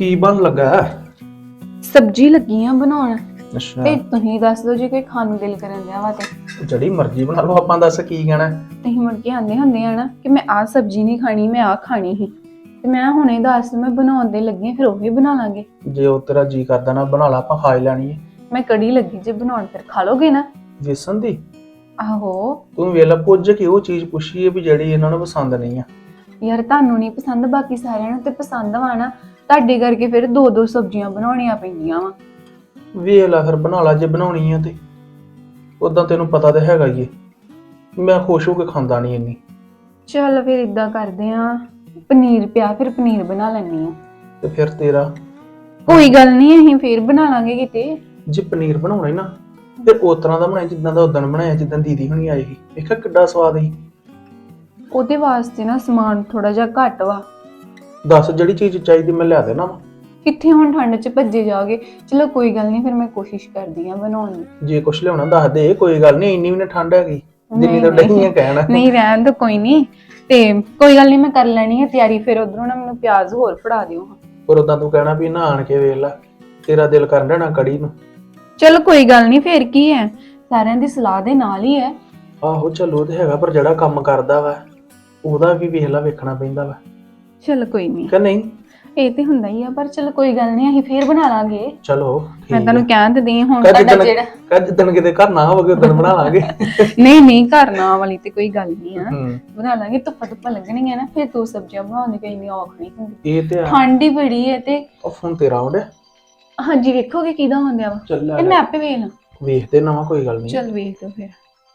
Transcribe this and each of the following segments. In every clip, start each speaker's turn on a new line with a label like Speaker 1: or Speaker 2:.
Speaker 1: ਕੀ ਬਣ ਲੱਗਾ?
Speaker 2: ਸਬਜ਼ੀ ਲੱਗੀ ਆ ਬਣਾਉਣ।
Speaker 1: ਅੱਛਾ,
Speaker 2: ਤੇ ਤੁਸੀਂ ਦੱਸ ਦਿਓ ਜੇ ਕੋਈ ਖਾਣ ਨੂੰ ਦਿਲ ਕਰਨ ਦਿਆ ਵਾ ਤੇ
Speaker 1: ਜਿਹੜੀ ਮਰਜ਼ੀ ਬਣਾ ਲਓ, ਆਪਾਂ ਦੱਸ ਕੀ ਕਹਿਣਾ।
Speaker 2: ਤੁਸੀਂ ਮੁੜ ਕੇ ਆਂਦੇ ਹੁੰਦੇ ਆ ਨਾ ਕਿ ਮੈਂ ਆਹ ਸਬਜ਼ੀ ਨਹੀਂ ਖਾਣੀ, ਮੈਂ ਆਹ ਖਾਣੀ ਸੀ, ਤੇ ਮੈਂ ਹੁਣੇ ਦੱਸ ਮੈਂ ਬਣਾਉਣ ਦੇ ਲੱਗੀ ਆ, ਫਿਰ ਉਹੀ ਬਣਾ ਲਾਂਗੇ।
Speaker 1: ਜੇ ਉਹ ਤੇਰਾ ਜੀ ਕਰਦਾ ਨਾ ਬਣਾ ਲਾ, ਆਪਾਂ ਖਾ ਹੀ ਲੈਣੀ ਹੈ।
Speaker 2: ਮੈਂ ਕੜੀ ਲੱਗੀ ਜੇ ਬਣਾਉਣ, ਫਿਰ ਖਾ ਲੋਗੇ ਨਾ?
Speaker 1: ਵੇਸਣ ਦੀ?
Speaker 2: ਆਹੋ।
Speaker 1: ਤੂੰ ਵੇਲਾ ਪੁੱਜ ਕੇ ਉਹ ਚੀਜ਼ ਪੁੱਛੀ ਹੈ ਵੀ ਜਿਹੜੀ ਇਹਨਾਂ ਨੂੰ ਪਸੰਦ ਨਹੀਂ ਆ।
Speaker 2: ਯਾਰ ਤੁਹਾਨੂੰ ਨਹੀਂ ਪਸੰਦ, ਬਾਕੀ ਸਾਰਿਆਂ ਨੂੰ ਤੇ ਪਸੰਦ ਵਾ ਨਾ, ਤੁਹਾਡੇ ਕਰਕੇ ਫਿਰ ਦੋ ਦੋ ਸਬਜ਼ੀਆਂ ਬਣਾਉਣੀਆਂ ਪੈਂਦੀਆਂ ਵਾ।
Speaker 1: ਵੇਖ ਲੈ ਫਿਰ ਬਣਾ ਲਾ ਜੇ ਬਣਾਉਣੀ ਆ ਤੇ। ਉਦਾਂ ਤੈਨੂੰ ਪਤਾ ਤਾਂ ਹੈਗਾ ਹੀ ਏ, ਮੈਂ ਖੁਸ਼ ਹੋ ਕੇ ਖਾਂਦਾ ਨਹੀਂ ਇੰਨੀ।
Speaker 2: ਚੱਲ ਫਿਰ ਇਦਾਂ ਕਰਦੇ ਆ, ਪਨੀਰ ਪਿਆ, ਫਿਰ ਪਨੀਰ ਬਣਾ ਲੈਣੀ ਆ।
Speaker 1: ਤੇ ਫਿਰ ਤੇਰਾ
Speaker 2: ਕੋਈ ਗੱਲ ਨਹੀਂ, ਅਸੀਂ ਫੇਰ ਬਣਾ ਲਾਂਗੇ ਕਿਤੇ।
Speaker 1: ਜੇ ਪਨੀਰ ਬਣਾਉਣਾ ਹੀ ਨਾ ਫਿਰ ਉਸ ਤਰ੍ਹਾਂ ਦਾ ਬਣਾਇਆ ਜਿੱਦਾਂ ਦਾ ਉਦੋਂ ਬਣਾਇਆ, ਜਿੱਦਾਂ ਦੀਦੀ ਹੁਣੀ ਆਈ ਸੀ। ਵੇਖਿਆ ਕਿੱਡਾ ਸਵਾਦ ਸੀ।
Speaker 2: ਉਹਦੇ ਵਾਸਤੇ ਨਾ ਸਮਾਨ ਥੋੜਾ ਜਿਹਾ ਘੱਟ ਵਾ।
Speaker 1: ਦੱਸ ਜਿਹੜੀ ਚੀਜ਼ ਚਾਹੀਦੀ ਮੈਂ ਲਿਆ ਦੇਣਾ ਵਾ।
Speaker 2: ਕਿੱਥੇ ਹੁਣ ਠੰਡ 'ਚ ਭੱਜੇ ਜਾਓਗੇ। ਚਲੋ ਕੋਈ ਗੱਲ ਨਹੀਂ, ਫਿਰ ਮੈਂ ਕੋਸ਼ਿਸ਼ ਕਰਦੀ ਆ ਬਣਾਉਣ ਦੀ।
Speaker 1: ਜੇ ਕੁਛ ਲਿਆਉਣਾ ਦੱਸ ਦੇ, ਕੋਈ ਗੱਲ ਨਹੀਂ, ਇੰਨੀ ਵੀ ਨਾ ਠੰਡ ਹੈਗੀ ਜਿੰਨੀ ਤਾਂ ਡਹੀਆਂ ਕਹਿਣਾ।
Speaker 2: ਨਹੀਂ ਰਹਿਣ ਦੋ, ਕੋਈ ਨਹੀਂ, ਤੇ ਕੋਈ ਗੱਲ ਨਹੀਂ, ਮੈਂ ਕਰ ਲੈਣੀ ਹੈ ਤਿਆਰੀ। ਫਿਰ ਉਧਰੋਂ ਨਾ ਮੈਨੂੰ ਪਿਆਜ਼ ਹੋਰ ਫੜਾ ਦਿਓ।
Speaker 1: ਪਰ ਉਦਾਂ ਤੂੰ ਕਹਿਣਾ ਵੀ ਨਾ ਆਣ ਕੇ ਵੇਖ ਲੈ, ਤੇਰਾ ਦਿਲ ਕਰਨ ਡਿਆ ਨਾ ਕੜੀ ਨੂੰ।
Speaker 2: ਚਲੋ ਕੋਈ ਗੱਲ ਨਹੀਂ, ਫੇਰ ਕੀ ਹੈ, ਸਾਰਿਆਂ ਦੀ ਸਲਾਹ ਦੇ ਨਾਲ ਹੀ ਹੈ।
Speaker 1: ਆਹੋ ਚਲੋ ਉਹ ਤੇ ਹੈਗਾ, ਪਰ ਜਿਹੜਾ ਕੰਮ ਕਰਦਾ ਵਾ ਉਹਦਾ ਵੀ ਵੇਖ ਲਾ, ਵੇਖਣਾ ਪੈਂਦਾ ਵਾ
Speaker 2: ਚਲ ਕੋਈ ਨਹੀਂ,
Speaker 1: ਕਿ ਨਹੀਂ?
Speaker 2: ਇਹ ਤੇ ਹੁੰਦਾ ਹੀ ਆ, ਪਰ ਚਲੋ ਕੋਈ ਗੱਲ ਨਹੀਂ, ਅਸੀਂ ਫੇਰ ਬਣਾ ਲਾਂਗੇ।
Speaker 1: ਚਲੋ
Speaker 2: ਮੈਂ
Speaker 1: ਠੀਕ
Speaker 2: ਤੁਹਾਨੂੰ ਕਹਿਣ ਤੇ ਦਈ ਹੁਣ,
Speaker 1: ਆ।
Speaker 2: ਤੁਹਾਡਾ ਜਿਹੜਾ
Speaker 1: ਜਿੱਦਣ ਕਿਤੇ ਘਰ ਨਾ ਹੋਵੇ ਉਦੋਂ ਬਣਾ ਲਾਂਗੇ।
Speaker 2: ਨਹੀਂ ਨਹੀਂ, ਕਰਨਾ ਵਾਲੀ ਤੇ ਕੋਈ ਗੱਲ ਨਹੀਂ ਆ,
Speaker 1: ਹੂੰ
Speaker 2: ਬਣਾ ਲਾਂਗੇ। ਧੁੱਪਾਂ ਲੱਗਣਗੀਆਂ ਨਾ, ਫਿਰ ਦੋ ਸਬਜ਼ੀਆਂ ਬਣਾਉਣ ਦੀ ਕੋਈ ਇੰਨੀ ਔਖ ਨਹੀਂ ਹੁੰਦੀ।
Speaker 1: ਇਹ ਤੇ ਆ।
Speaker 2: ਠੰਡ ਹੀ ਬੜੀ ਹੈ ਤੇ।
Speaker 1: ਉਹ ਫੋਨ ਤੇਰਾ ਆਉਂਦਾ?
Speaker 2: ਹਾਂਜੀ, ਵੇਖੋਗੇ ਕਿਹਦਾ ਹੁੰਦਿਆ ਵਾ
Speaker 1: ਚੱਲ
Speaker 2: ਤੇ ਮੈਂ ਆਪੇ ਵੇਖ ਲਾਂ।
Speaker 1: ਵੇਖਦੇ ਨਾ ਵਾ, ਕੋਈ ਗੱਲ ਨਹੀਂ।
Speaker 2: ਚੱਲ ਵੇਖ ਲਓ ਫਿਰ।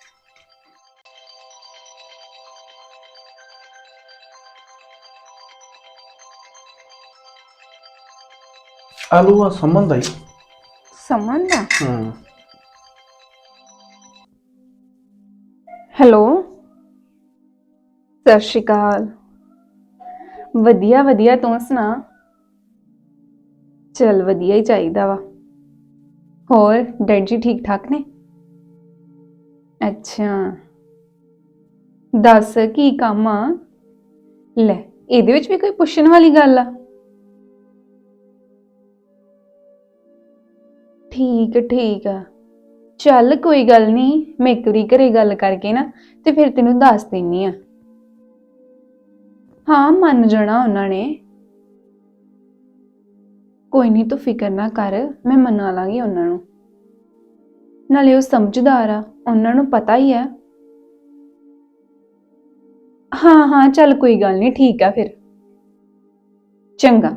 Speaker 1: ਆਲੂ ਆ ਸਮਝਦਾ ਹੀ।
Speaker 2: ਸਮਨ ਦਾ?
Speaker 1: ਹੂੰ।
Speaker 2: ਹੈਲੋ, ਸਤਿ ਸ਼੍ਰੀ ਅਕਾਲ। ਵਧੀਆ ਵਧੀਆ, ਤੂੰ ਸੁਣਾ? ਚੱਲ ਵਧੀਆ ਹੀ ਚਾਹੀਦਾ ਵਾ। ਹੋਰ ਡੈਡ ਜੀ ਠੀਕ ਠਾਕ ਨੇ? ਅੱਛਾ, ਦੱਸ ਕੀ ਕੰਮ ਆ? ਲੈ, ਇਹਦੇ ਵਿੱਚ ਵੀ ਕੋਈ ਪੁੱਛਣ ਵਾਲੀ ਗੱਲ ਆ? ਠੀਕ ਆ, ਚੱਲ ਕੋਈ ਗੱਲ ਨਹੀਂ, ਮੈਂ ਇੱਕ ਵਾਰੀ ਘਰੇ ਗੱਲ ਕਰਕੇ ਨਾ ਤੇ ਫਿਰ ਤੈਨੂੰ ਦੱਸ ਦਿੰਨੀ ਆ। ਹਾਂ, ਮੰਨ ਜਾਣਾ ਉਹਨਾਂ ਨੇ। ਕੋਈ ਨਹੀਂ, ਤੂੰ ਫਿਕਰ ਨਾ ਕਰ, ਮੈਂ ਮਨਾ ਲਾਂਗੀ ਉਹਨਾਂ ਨੂੰ। ਨਾਲੇ ਉਹ ਸਮਝਦਾਰ ਆ, ਉਹਨਾਂ ਨੂੰ ਪਤਾ ਹੀ ਆ। ਹਾਂ ਚੱਲ ਕੋਈ ਗੱਲ ਨਹੀਂ, ਠੀਕ ਆ ਫਿਰ। ਚੰਗਾ,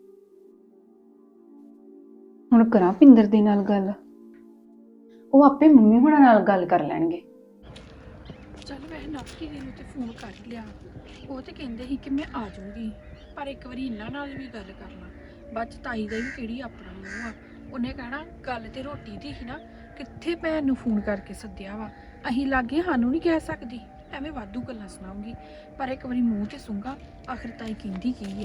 Speaker 2: ਹੁਣ ਕਰਾਂ ਪਿੰਦਰ ਦੇ ਨਾਲ ਗੱਲ, ਉਹ ਆਪੇ ਮੰਮੀ ਹੁਣਾਂ ਨਾਲ ਗੱਲ ਕਰ ਲੈਣਗੇ।
Speaker 3: ਚੱਲ ਵੈਸੇ ਨਾਕੀ ਦੇ ਨੂੰ ਤੇ ਫੋਨ ਕਰ ਲਿਆ, ਉਹ ਤੇ ਕਹਿੰਦੇ ਸੀ ਕਿ ਮੈਂ ਆ ਜਾਊਂਗੀ, ਪਰ ਇੱਕ ਵਾਰੀ ਇਹਨਾਂ ਨਾਲ ਵੀ ਗੱਲ ਕਰ ਲਾਂ। ਬਾਅਦ 'ਚ ਤਾਈ ਦਾ ਵੀ ਕਿਹੜੀ ਆਪਣਾ ਮੂੰਹ ਆ, ਉਹਨੇ ਕਹਿਣਾ ਗੱਲ ਤੇ ਰੋਟੀ ਦੀ ਸੀ ਨਾ, ਕਿੱਥੇ ਭੈਣ ਨੂੰ ਫੋਨ ਕਰਕੇ ਸੱਦਿਆ ਵਾ, ਅਸੀਂ ਲਾਗੇ ਸਾਨੂੰ ਨਹੀਂ ਕਹਿ ਸਕਦੀ, ਐਵੇਂ ਵਾਧੂ ਗੱਲਾਂ ਸੁਣਾਉਂਗੀ। ਪਰ ਇੱਕ ਵਾਰੀ ਮੂੰਹ ਤੇ ਸੁੰਗਾ, ਆਖਰ ਤਾਈ ਕਹਿੰਦੀ ਕੀ ਆ।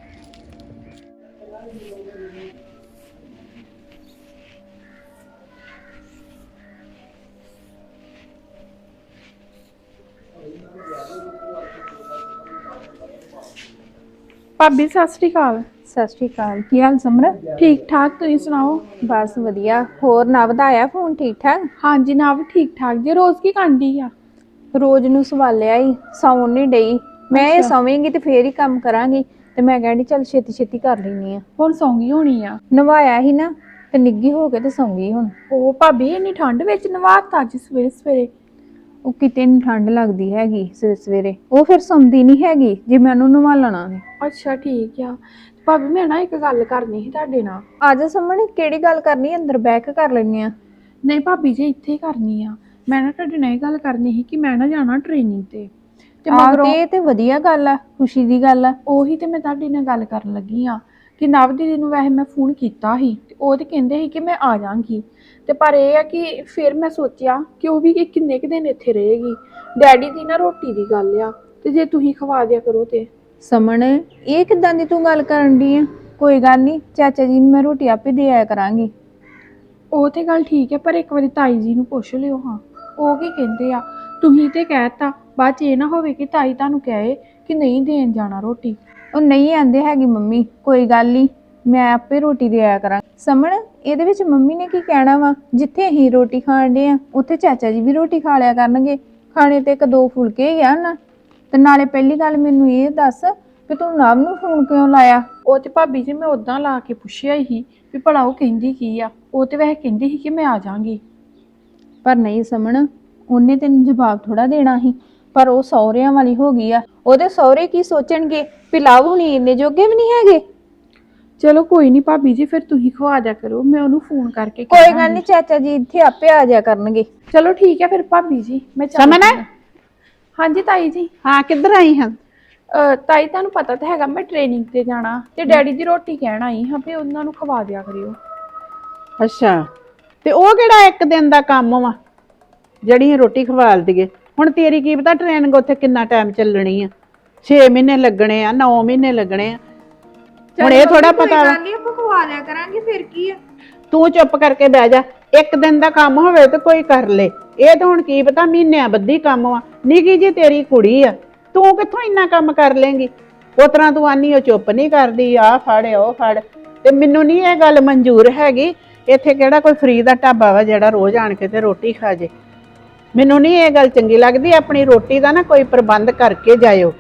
Speaker 3: ਭਾਬੀ ਸਤਿ ਸ਼੍ਰੀ ਅਕਾਲ।
Speaker 4: ਸਤਿ ਸ਼੍ਰੀ ਅਕਾਲ, ਕੀ ਹਾਲ ਸਮਰ?
Speaker 3: ਠੀਕ ਠਾਕ, ਤੁਸੀਂ ਸੁਣਾਓ?
Speaker 4: ਬਸ ਵਧੀਆ। ਹੋਰ ਨਵ ਦਾ ਆਇਆ ਫੋਨ? ਠੀਕ ਠਾਕ?
Speaker 3: ਹਾਂਜੀ ਨਾ ਵੀ ਠੀਕ ਠਾਕ ਜੇ। ਰੋਜ਼ ਕੀ ਕਾਂਡੀ ਆ?
Speaker 4: ਰੋਜ਼ ਨੂੰ ਸਵਾਲਿਆ ਹੀ, ਸੌਣ ਨਹੀਂ ਡਈ। ਮੈਂ ਇਹ
Speaker 3: ਅੱਛਾ।
Speaker 4: ਸੌਵੇਂਗੀ ਤੇ ਫੇਰ ਹੀ ਕੰਮ ਕਰਾਂਗੀ, ਤੇ ਮੈਂ ਕਹਿੰਦੀ ਚੱਲ ਛੇਤੀ ਛੇਤੀ ਕਰ ਲੈਣੀ ਆ।
Speaker 3: ਹੁਣ ਸੌਂਗੀ ਹੋਣੀ ਆ?
Speaker 4: ਨਵਾਇਆ ਹੀ ਨਾ, ਤੇ ਨਿੱਗੀ ਹੋ ਕੇ ਤੇ ਸੌਂਗੀ ਹੁਣ।
Speaker 3: ਉਹ ਭਾਬੀ ਇੰਨੀ ਠੰਡ ਵਿੱਚ ਨਵਾਤਾ ਅੱਜ ਸਵੇਰੇ ਸਵੇਰੇ?
Speaker 4: ਉਹ ਕਿਤੇ ਨੀ ਠੰਡ ਲੱਗਦੀ ਹੈਗੀ ਸਵੇਰੇ ਸਵੇਰੇ, ਉਹ ਫਿਰ ਸੌਂਦੀ ਨਹੀਂ ਹੈਗੀ ਜੇ ਮੈਂ ਉਹਨੂੰ ਨਵਾਲਣਾ ਨੀ।
Speaker 3: ਅੱਛਾ ਠੀਕ ਆ। ਭਾਬੀ ਮੈਂ ਨਾ ਇੱਕ ਗੱਲ ਕਰਨੀ ਸੀ ਤੁਹਾਡੇ ਨਾਲ।
Speaker 4: ਆ ਜਾ ਸਾਹਮਣੇ, ਕਿਹੜੀ ਗੱਲ ਕਰਨੀ? ਅੰਦਰ ਬਹਿ ਕੇ ਕਰ ਲੈਣੀ ਆ।
Speaker 3: ਨਹੀਂ ਭਾਬੀ ਜੀ, ਇੱਥੇ ਹੀ ਕਰਨੀ ਆ। ਮੈਂ ਨਾ ਤੁਹਾਡੇ ਨਾਲ ਇਹ ਗੱਲ ਕਰਨੀ ਸੀ ਕਿ ਮੈਂ ਨਾ ਜਾਣਾ ਟ੍ਰੇਨਿੰਗ ਤੇ ਮਗਰੋਂ
Speaker 4: ਇਹ ਤੇ ਵਧੀਆ ਗੱਲ ਆ, ਖੁਸ਼ੀ ਦੀ ਗੱਲ ਆ।
Speaker 3: ਉਹੀ ਤੇ ਮੈਂ ਤੁਹਾਡੇ ਨਾਲ ਗੱਲ ਕਰਨ ਲੱਗੀ ਆ ਕਿ ਨਵ ਦੀਦੀ ਨੂੰ ਵੈਸੇ ਮੈਂ ਫੋਨ ਕੀਤਾ ਸੀ ਤੇ ਉਹ ਤੇ ਕਹਿੰਦੇ ਸੀ ਕਿ ਮੈਂ ਆ ਜਾਵਾਂਗੀ, ਤੇ ਪਰ ਇਹ ਆ ਕਿ ਫਿਰ ਮੈਂ ਸੋਚਿਆ ਕਿ ਉਹ ਵੀ ਕਿੰਨੇ ਕੁ ਦਿਨ ਇੱਥੇ ਰਹੇਗੀ। ਡੈਡੀ ਦੀ ਨਾ ਰੋਟੀ ਦੀ ਗੱਲ ਆ, ਤੇ ਜੇ ਤੁਸੀਂ ਖਵਾ ਦਿਆ ਕਰੋ ਤੇ।
Speaker 4: ਸਮਣ, ਇਹ ਕਿੱਦਾਂ ਦੀ ਤੂੰ ਗੱਲ ਕਰਨ ਦੀ ਆ? ਕੋਈ ਗੱਲ ਨਹੀਂ, ਚਾਚਾ ਜੀ ਨੂੰ ਮੈਂ ਰੋਟੀ ਆਪੇ ਦੇ ਆਇਆ ਕਰਾਂਗੀ।
Speaker 3: ਉਹ ਤੇ ਗੱਲ ਠੀਕ ਹੈ, ਪਰ ਇੱਕ ਵਾਰੀ ਤਾਈ ਜੀ ਨੂੰ ਪੁੱਛ ਲਿਓ ਹਾਂ, ਉਹ ਕੀ ਕਹਿੰਦੇ ਆ। ਤੁਸੀਂ ਤੇ ਕਹਿਤਾ, ਬਾਅਦ ਚ ਇਹ ਨਾ ਹੋਵੇ ਕਿ ਤਾਈ ਤੁਹਾਨੂੰ ਕਹੇ ਕਿ ਨਹੀਂ ਦੇਣ ਜਾਣਾ ਰੋਟੀ।
Speaker 4: ਉਹ ਨਹੀਂ ਆਂਦੇ ਹੈਗੀ ਮੰਮੀ, ਕੋਈ ਗੱਲ ਨਹੀਂ, ਮੈਂ ਆਪੇ ਰੋਟੀ ਦੇ ਆਇਆ ਕਰਾਂ। ਸਮਣ ਇਹਦੇ ਵਿੱਚ ਮੰਮੀ ਨੇ ਕੀ ਕਹਿਣਾ ਵਾ? ਜਿੱਥੇ ਅਸੀਂ ਰੋਟੀ ਖਾਣ ਦੇ ਆ ਉੱਥੇ ਚਾਚਾ ਜੀ ਵੀ ਰੋਟੀ ਖਾ ਲਿਆ ਕਰਨਗੇ। ਖਾਣੇ ਤੇ ਇੱਕ ਦੋ ਫੁਲਕੇ ਹੀ ਆ ਨਾ। ਤੇ ਨਾਲੇ ਪਹਿਲੀ ਗੱਲ ਮੈਨੂੰ ਇਹ ਦੱਸ ਕਿ ਤੂੰ ਨਵ ਨੂੰ ਫੋਨ ਕਿਉਂ ਲਾਇਆ?
Speaker 3: ਉਹ ਤੇ ਭਾਬੀ ਜੀ ਮੈਂ ਉਦਾਂ ਲਾ ਕੇ ਪੁੱਛਿਆ ਹੀ ਵੀ ਭਲਾ ਉਹ ਕਹਿੰਦੀ ਕੀ ਆ। ਉਹ ਤੇ ਵੈਸੇ ਕਹਿੰਦੀ ਸੀ ਕਿ ਮੈਂ ਆ ਜਾਾਂਗੀ।
Speaker 4: ਪਰ ਨਹੀਂ ਸਮਣ, ਉਹਨੇ ਤੈਨੂੰ ਜਵਾਬ ਥੋੜਾ ਦੇਣਾ ਸੀ। ਪਰ ਉਹ ਸਹੁਰਿਆਂ ਵਾਲੀ ਹੋ ਗਈ ਆ। ਉਹਦੇ ਸਹੁਰੇ ਕੀ ਸੋਚਣਗੇ ਵੀ ਲਵ ਹੁਣੀ ਇੰਨੇ ਜੋਗੇ ਵੀ ਨਹੀਂ ਹੈਗੇ।
Speaker 3: ਚਲੋ ਕੋਈ ਨਹੀਂ ਭਾਬੀ ਜੀ, ਫਿਰ ਤੁਸੀਂ ਖਵਾ ਦਿਆ ਕਰੋ, ਮੈਂ ਉਹਨੂੰ ਫੋਨ ਕਰਕੇ
Speaker 4: ਕੋਈ
Speaker 3: ਕਹਿ
Speaker 4: ਗੱਲ
Speaker 3: ਦਾਂਗੀ।
Speaker 4: ਨਹੀਂ, ਚਾਚਾ ਜੀ ਇੱਥੇ ਆਪੇ ਆ ਜਾਇਆ ਕਰਨਗੇ।
Speaker 3: ਚਲੋ ਠੀਕ ਹੈ ਫਿਰ ਭਾਬੀ ਜੀ, ਮੈਂ
Speaker 5: ਸਮਨ?
Speaker 3: ਹਾਂਜੀ ਤਾਈ ਜੀ।
Speaker 5: ਹਾਂ, ਕਿੱਧਰ ਆਈ ਹਾਂ?
Speaker 3: ਤਾਈ ਤੁਹਾਨੂੰ ਪਤਾ ਤਾਂ ਹੈਗਾ ਮੈਂ ਟ੍ਰੇਨਿੰਗ ਤੇ ਜਾਣਾ ਤੇ ਡੈਡੀ ਦੀ ਰੋਟੀ ਕਹਿਣ ਆਈ ਹਾਂ ਵੀ ਉਹਨਾਂ ਨੂੰ ਖਵਾ ਦਿਆ ਕਰਿਓ।
Speaker 5: ਅੱਛਾ, ਤੇ ਉਹ ਕਿਹੜਾ ਇੱਕ ਦਿਨ ਦਾ ਕੰਮ ਵਾ ਜਿਹੜੀ ਰੋਟੀ ਖਵਾਲ ਦਈਏ? ਹੁਣ ਤੇਰੀ ਕੀ ਪਤਾ ਟ੍ਰੇਨਿੰਗ ਉੱਥੇ ਕਿੰਨਾ ਟਾਈਮ ਚੱਲਣੀ ਆ? 6 ਮਹੀਨੇ ਲੱਗਣੇ ਆ, 9 ਮਹੀਨੇ ਲੱਗਣੇ ਆ। ਹੁਣ ਇਹ ਥੋੜਾ ਪਤਾ ਵਾ।
Speaker 4: ਨਹੀਂ ਆਪਾਂ ਖਵਾ ਲਿਆ ਕਰਾਂਗੇ, ਫਿਰ ਕੀ ਆ?
Speaker 5: ਤੂੰ ਚੁੱਪ ਕਰਕੇ ਬਹਿ ਜਾ। ਇੱਕ ਦਿਨ ਦਾ ਕੰਮ ਹੋਵੇ ਤੇ ਕੋਈ ਕਰ ਲੇ। ਇਹ ਤਾਂ ਹੁਣ ਕੀ ਪਤਾ ਮਹੀਨਿਆਂ ਬੱਧੀ ਕੰਮ ਵਾ। ਨਿੱਕੀ ਜੀ ਤੇਰੀ ਕੁੜੀ ਆ, ਤੂੰ ਕਿੱਥੋਂ ਇੰਨਾ ਕੰਮ ਕਰ ਲੇਂਗੀ? ਉਸ ਤਰ੍ਹਾਂ ਤੂੰ ਆਨੀ ਉਹ ਚੁੱਪ ਨਹੀਂ ਕਰਦੀ, ਆਹ ਫੜ ਉਹ ਫੜ। ਤੇ ਮੈਨੂੰ ਨਹੀਂ ਇਹ ਗੱਲ ਮਨਜ਼ੂਰ ਹੈਗੀ। ਇੱਥੇ ਕਿਹੜਾ ਕੋਈ ਫਰੀ ਦਾ ਢਾਬਾ ਵਾ ਜਿਹੜਾ ਰੋਜ਼ ਆਣ ਕੇ ਤੇ ਰੋਟੀ ਖਾ ਜੇ? ਮੈਨੂੰ ਨਹੀਂ ਇਹ ਗੱਲ ਚੰਗੀ ਲੱਗਦੀ। ਆਪਣੀ ਰੋਟੀ ਦਾ ਨਾ ਕੋਈ ਪ੍ਰਬੰਧ ਕਰਕੇ ਜਾਇਓ।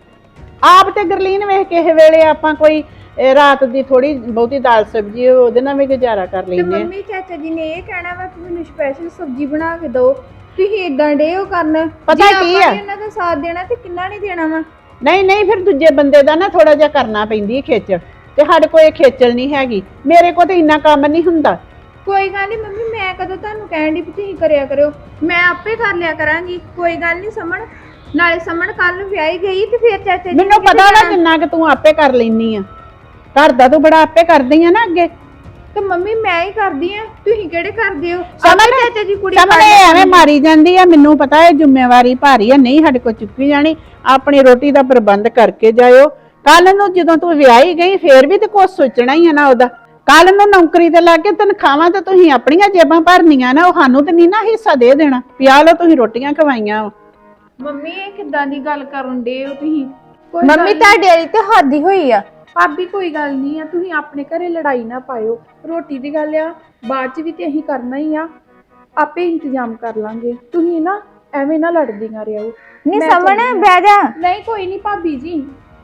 Speaker 5: ਆਪ ਤੇ ਗਰਲੀਨ ਵੇਖ ਕਿਸੇ ਵੇਲੇ ਆਪਾਂ ਕੋਈ ਰਾਤ ਦੀ ਥੋੜੀ ਬਹੁਤੀ ਦਾਲ ਸਬਜ਼ੀ ਉਹਦੇ ਨਾਲ ਵੀ ਗੁਜ਼ਾਰਾ ਕਰ
Speaker 4: ਤੇ
Speaker 5: ਲੈਂਦੇ ਆ।
Speaker 4: ਮੰਮੀ ਚਾਚਾ ਜੀ ਨੇ ਇਹ ਕਹਿਣਾ ਵਾ ਕਿ ਮੈਨੂੰ ਸਪੈਸ਼ਲ ਸਬਜ਼ੀ ਬਣਾ ਕੇ ਦਿਓ। ਤੁਸੀਂ ਇਦਾਂ ਡੇ ਉਹ ਕਰਨ।
Speaker 5: ਪਤਾ ਕੀ ਆ?
Speaker 4: ਇਹਨਾਂ ਦਾ ਸਾਥ ਦੇਣਾ ਤੇ ਕਿੰਨਾ ਨਹੀਂ ਦੇਣਾ ਵਾ।
Speaker 5: ਨਹੀਂ ਫਿਰ ਦੂਜੇ ਬੰਦੇ ਦਾ ਨਾ ਥੋੜਾ ਜਿਹਾ ਕਰਨਾ ਪੈਂਦੀ ਹੈ ਖੇਚਲ, ਤੇ ਸਾਡੇ ਕੋਲ ਇਹ ਖੇਚਲ ਨਹੀਂ ਹੈਗੀ। ਮੇਰੇ ਕੋਲ ਤੇ ਇੰਨਾ ਕੰਮ ਨਹੀਂ ਹੁੰਦਾ।
Speaker 4: ਕੋਈ ਗੱਲ ਨਹੀਂ ਮੰਮੀ, ਮੈਂ ਕਦੋਂ ਤੁਹਾਨੂੰ ਕਹਿਣ ਦੀ ਵੀ ਤੁਸੀਂ ਕਰਿਆ ਕਰਿਓ? ਮੈਂ ਆਪੇ ਕਰ ਲਿਆ ਕਰਾਂਗੀ। ਕੋਈ ਗੱਲ ਨਹੀਂ ਸਮਣ। ਨਾਲੇ ਸਮਣ ਕੱਲ ਨੂੰ ਵਿਆਹੀ ਗਈ ਤੇ ਫਿਰ ਚਾਚਾ ਜੀ
Speaker 5: ਮੈਨੂੰ ਪਤਾ ਵਾ ਜਿੰਨਾ ਕਿ ਤੂੰ ਆਪੇ ਕਰ ਲੈਨੀ ਆ। ਘਰ ਦਾ ਤੂੰ ਬੜਾ ਆਪੇ ਕਰਦੀ ਆ ਨਾ ਅੱਗੇ।
Speaker 4: ਤੇ ਮੰਮੀ ਮੈਂ ਹੀ ਕਰਦੀ ਆ, ਤੁਸੀਂ ਕਿਹੜੇ ਕਰਦੇ ਹੋ?
Speaker 5: ਸਮਝ
Speaker 4: ਚਾਚਾ ਜੀ ਕੁੜੀ
Speaker 5: ਸਾਹਮਣੇ ਐਵੇਂ ਮਾਰੀ ਜਾਂਦੀ ਆ। ਮੈਨੂੰ ਪਤਾ ਇਹ ਜ਼ਿੰਮੇਵਾਰੀ ਭਾਰੀ ਆ, ਨਹੀਂ ਸਾਡੇ ਕੋਲ ਚੁੱਕੀ ਜਾਣੀ। ਆਪਣੀ ਰੋਟੀ ਦਾ ਪ੍ਰਬੰਧ ਕਰਕੇ ਜਾਇਓ। ਕੱਲ ਨੂੰ ਜਦੋਂ ਤੂੰ ਵਿਆਹੀ ਗਈ ਫੇਰ ਵੀ ਤੇ ਕੁਝ ਸੋਚਣਾ ਹੀ ਆ ਨਾ ਉਹਦਾ। ਕੱਲ ਨੂੰ ਨੌਕਰੀ ਤੇ ਲੱਗ ਕੇ ਤਨਖਾਹਾਂ ਤੇ ਤੁਸੀਂ ਆਪਣੀਆਂ ਜੇਬਾਂ ਭਰਨੀਆਂ ਨਾ, ਉਹ ਸਾਨੂੰ ਤੇ ਨਹੀਂ ਨਾ ਹਿੱਸਾ ਦੇ ਦੇਣਾ। ਪਿਆ ਲਓ ਤੁਸੀਂ ਰੋਟੀਆਂ ਖਵਾਈਆਂ।
Speaker 4: ਮੰਮੀ ਇਹ ਕਿੱਦਾਂ ਦੀ ਗੱਲ ਕਰਨ ਡੇ ਹੋ ਤੁਸੀਂ?
Speaker 3: ਕੋਈ
Speaker 4: ਮੰਮੀ ਤੁਹਾਡੇ ਵਾਲੀ ਤੇ ਹੱਦ ਹੀ ਹੋਈ ਆ।
Speaker 3: ਭਾਬੀ ਕੋਈ ਗੱਲ ਨਹੀਂ ਆ, ਤੁਸੀਂ ਆਪਣੇ ਘਰੇ ਲੜਾਈ ਨਾ ਪਾਇਓ। ਰੋਟੀ ਦੀ ਗੱਲ ਆ ਬਾਅਦ ਚ ਵੀ ਤੇ ਅਸੀਂ ਕਰਨਾ ਹੀ ਆ, ਆਪੇ ਇੰਤਜ਼ਾਮ ਕਰ ਲਾਂਗੇ। ਤੁਸੀਂ ਨਾ ਐਵੇਂ ਨਾ ਲੜਦੀਆਂ ਰਹੋ।
Speaker 4: ਨਹੀਂ
Speaker 3: ਮੈਂ
Speaker 4: ਸਮਣ
Speaker 3: ਚੱਲੀ ਆਂ।
Speaker 4: ਬਹਿ ਜਾ।
Speaker 3: ਨਹੀਂ ਕੋਈ ਨਹੀਂ ਭਾਬੀ ਜੀ।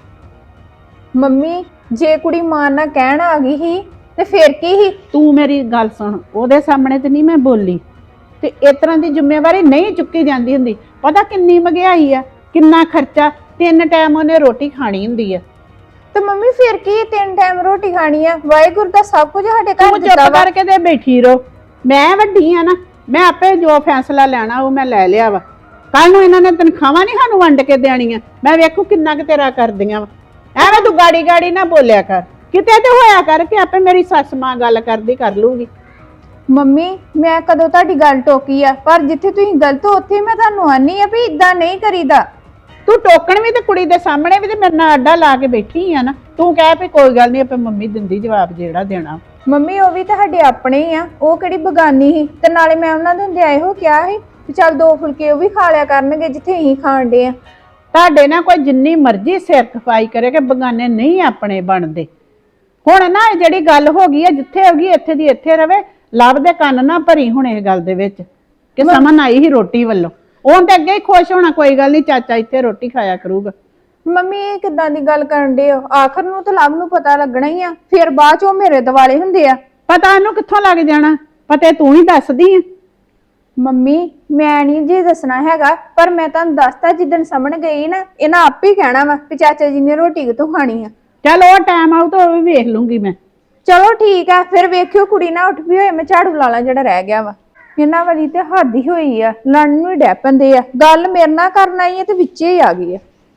Speaker 4: ਮੰਮੀ ਜੇ ਕੁੜੀ ਮਾਂ ਨਾਲ ਕਹਿਣ ਆ ਗਈ ਸੀ ਤੇ ਫਿਰ ਕੀ ਸੀ?
Speaker 5: ਤੂੰ ਮੇਰੀ ਗੱਲ ਸੁਣ, ਉਹਦੇ ਸਾਹਮਣੇ ਤੇ ਨਹੀਂ ਮੈਂ ਬੋਲੀ। ਤੇ ਇਸ ਤਰ੍ਹਾਂ ਦੀ ਜ਼ਿੰਮੇਵਾਰੀ ਨਹੀਂ ਚੁੱਕੀ ਜਾਂਦੀ ਹੁੰਦੀ। ਪਤਾ ਕਿੰਨੀ ਮਹਿੰਗਾਈ ਆ, ਕਿੰਨਾ ਖਰਚਾ। 3 ਟਾਈਮ ਉਹਨੇ ਰੋਟੀ ਖਾਣੀ ਹੁੰਦੀ ਆ।
Speaker 4: ਤੇ ਮੰਮੀ ਫਿਰ ਕੀ 3 ਟਾਈਮ ਰੋਟੀ ਖਾਣੀ ਆ? ਵਾਹਿਗੁਰੂ ਦਾ ਸਭ ਕੁਝ ਸਾਡੇ ਘਰ
Speaker 5: ਤੂੰ
Speaker 4: ਦਿੱਤਾ
Speaker 5: ਚੁੱਪ
Speaker 4: ਵਾ।
Speaker 5: ਕਰਕੇ ਤੇ ਬੈਠੀ ਰਹੋ। ਮੈਂ ਵੱਡੀ ਆ ਨਾ, ਮੈਂ ਆਪੇ ਜੋ ਫੈਸਲਾ ਲੈਣਾ ਉਹ ਮੈਂ ਲੈ ਲਿਆ ਵਾ। ਕੱਲ ਨੂੰ ਇਹਨਾਂ ਨੇ ਤਨਖਾਹਾਂ ਨਹੀਂ ਸਾਨੂੰ ਵੰਡ ਕੇ ਦੇਣੀਆਂ। ਮੈਂ ਵੇਖੂ ਕਿੰਨਾ ਕੁ ਤੇਰਾ ਕਰਦੀਆਂ ਵਾ। ਐਵੇਂ ਤੂੰ ਗਾੜੀ ਨਾ ਬੋਲਿਆ ਕਰ। ਕਿਤੇ ਤੇ ਹੋਇਆ ਕਰ ਕਿ ਆਪੇ ਮੇਰੀ ਸੱਸ ਮਾਂ ਗੱਲ ਕਰਦੀ ਕਰ ਲੂਗੀ।
Speaker 4: ਮੰਮੀ ਮੈਂ ਕਦੋਂ ਤੁਹਾਡੀ ਗੱਲ ਟੋਕੀ ਆ? ਪਰ ਜਿੱਥੇ ਤੁਸੀਂ ਗਲਤ ਹੋ ਉੱਥੇ ਮੈਂ ਤੁਹਾਨੂੰ ਆਨੀ ਆ ਵੀ ਇਦਾਂ ਨਹੀਂ ਕਰੀਦਾ।
Speaker 5: ਤੂੰ ਟੋਕਣ ਵੀ ਤੇ ਕੁੜੀ ਦੇ ਸਾਹਮਣੇ ਵੀ ਤੇ ਮੇਰੇ ਨਾਲ ਅੱਡਾ ਲਾ ਕੇ ਬੈਠੀ ਆ ਨਾ। ਤੂੰ ਕਹਿ ਵੀ ਕੋਈ ਗੱਲ ਨਹੀਂ ਆਪੇ ਮੰਮੀ ਦਿੰਦੀ ਜਵਾਬ ਜਿਹੜਾ ਦੇਣਾ।
Speaker 4: ਮੰਮੀ ਉਹ ਵੀ ਤੁਹਾਡੇ ਆਪਣੇ ਹੀ ਆ, ਉਹ ਕਿਹੜੀ ਬਗਾਨੀ ਸੀ? ਤੇ ਨਾਲੇ ਮੈਂ ਉਹਨਾਂ ਦੇ ਹੁੰਦੇ ਇਹੋ ਕਿਹਾ ਸੀ ਵੀ ਚੱਲ 2 ਫੁਲਕੇ ਉਹ ਵੀ ਖਾ ਲਿਆ ਕਰਨਗੇ ਜਿੱਥੇ ਅਸੀਂ ਖਾਣ ਡੇ ਆ।
Speaker 5: ਤੁਹਾਡੇ ਨਾਲ ਕੋਈ ਜਿੰਨੀ ਮਰਜ਼ੀ ਸਿਰ ਖਪਾਈ ਕਰੇ ਕਿ ਬਗਾਨੇ ਨਹੀਂ ਆਪਣੇ ਬਣਦੇ। ਹੁਣ ਨਾ ਇਹ ਜਿਹੜੀ ਗੱਲ ਹੋ ਗਈ ਹੈ, ਜਿੱਥੇ ਹੋ ਗਈ ਇੱਥੇ ਦੀ ਇੱਥੇ ਰਵੇ। ਲੱਭ ਦੇ ਕੰਨ ਨਾ ਭਰੀ ਹੁਣ ਇਹ ਗੱਲ ਦੇ ਵਿੱਚ ਕਿ ਸਮਨ ਆਈ ਹੀ ਰੋਟੀ ਵੱਲੋਂ। ਉਹ ਤੇ ਅੱਗੇ ਹੀ ਖੁਸ਼ ਹੋਣਾ, ਕੋਈ ਗੱਲ ਨਹੀਂ ਚਾਚਾ ਇੱਥੇ ਰੋਟੀ ਖਾਇਆ ਕਰੂਗਾ।
Speaker 4: ਮੰਮੀ ਇਹ ਕਿੱਦਾਂ ਦੀ ਗੱਲ ਕਰਨ ਡੇ ਹੋ? ਆਖਰ ਨੂੰ ਤਾਂ ਲਵ ਨੂੰ ਪਤਾ ਲੱਗਣਾ ਹੀ ਆ, ਫਿਰ ਬਾਅਦ ਚ ਉਹ ਮੇਰੇ ਦਿਵਾਲੇ ਹੁੰਦੇ ਆ।
Speaker 5: ਪਤਾ ਇਹਨੂੰ ਕਿੱਥੋਂ ਲੱਗ ਜਾਣਾ? ਪਤਾ ਤੂੰ ਹੀ ਦੱਸਦੀ ਆ।
Speaker 4: ਮੰਮੀ ਮੈਂ ਨਹੀਂ ਜੇ ਦੱਸਣਾ ਹੈਗਾ, ਪਰ ਮੈਂ ਤੁਹਾਨੂੰ ਦੱਸਤਾ ਜਿੱਦਣ ਸਮਝ ਗਈ ਨਾ ਇਹਨਾਂ ਆਪੇ ਹੀ ਕਹਿਣਾ ਵਾ ਕਿ ਚਾਚਾ ਜੀ ਨੇ ਰੋਟੀ ਕਿੱਥੋਂ ਖਾਣੀ ਆ।
Speaker 5: ਚੱਲ ਉਹ ਟਾਈਮ ਆਊ ਤਾਂ ਉਹ ਵੀ ਵੇਖ ਲੂੰਗੀ ਮੈਂ।
Speaker 4: ਚਲੋ ਠੀਕ ਆ, ਫਿਰ ਵੇਖਿਓ ਕੁੜੀ ਨਾ ਉੱਠ ਵੀ ਹੋਏ, ਮੈਂ ਝਾੜੂ ਲਾ ਲਾਂ ਜਿਹੜਾ ਰਹਿ ਗਿਆ ਵਾ। ਇਹਨਾਂ ਵਾਲੀ ਤੇ ਹੱਦ ਹੀ ਹੋਈ ਆ, ਲੜਨ ਨੂੰ ਹੀ ਡੈ ਪੈਂਦੇ ਆ। ਗੱਲ ਮੇਰੇ ਨਾਲ ਕਰਨ ਆਈ ਆ ਤੇ ਵਿੱਚੇ ਹੀ ਆ ਗਈ ਆ।